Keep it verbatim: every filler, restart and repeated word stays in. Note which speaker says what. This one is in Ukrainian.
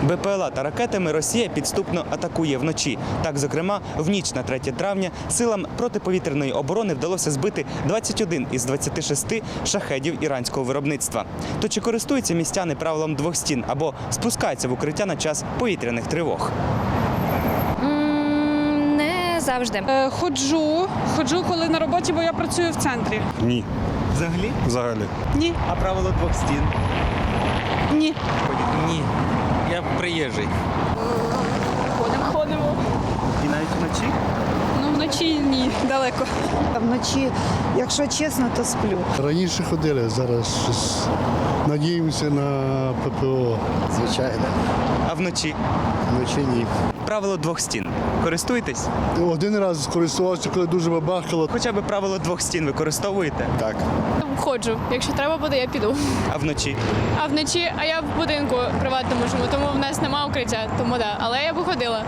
Speaker 1: Бе Пе Ел А та ракетами Росія підступно атакує вночі. Так, зокрема, в ніч на третє травня силам протиповітряної оборони вдалося збити двадцять один із двадцяти шести шахедів іранського виробництва. То чи користуються містяни правилом двох стін або спускаються в укриття на час повітряних тривог?
Speaker 2: М, Не завжди.
Speaker 3: Е, Ходжу, ходжу, коли на роботі, бо я працюю в центрі.
Speaker 4: Ні,
Speaker 1: Взагалі?
Speaker 4: взагалі.
Speaker 3: Ні,
Speaker 1: А правило двох стін?
Speaker 3: ні.
Speaker 5: Ні, я приїжджий.
Speaker 3: Ходимо, ходимо.
Speaker 1: І навіть вночі?
Speaker 3: Ну, вночі ні, далеко.
Speaker 6: Вночі, якщо чесно, то сплю.
Speaker 7: Раніше ходили, зараз щось надіємося на Пе Пе О.
Speaker 8: Звичайно,
Speaker 1: А вночі?
Speaker 8: вночі ні.
Speaker 1: Правило двох стін. Користуєтесь?
Speaker 7: Один раз скористувався, коли дуже бабахало.
Speaker 1: Хоча б правило двох стін використовуєте?
Speaker 8: Так.
Speaker 9: Ходжу. Якщо треба буде, я піду.
Speaker 1: А вночі?
Speaker 9: А вночі, а я в будинку приватному живу, тому в нас немає укриття, тому да. Але я б ходила.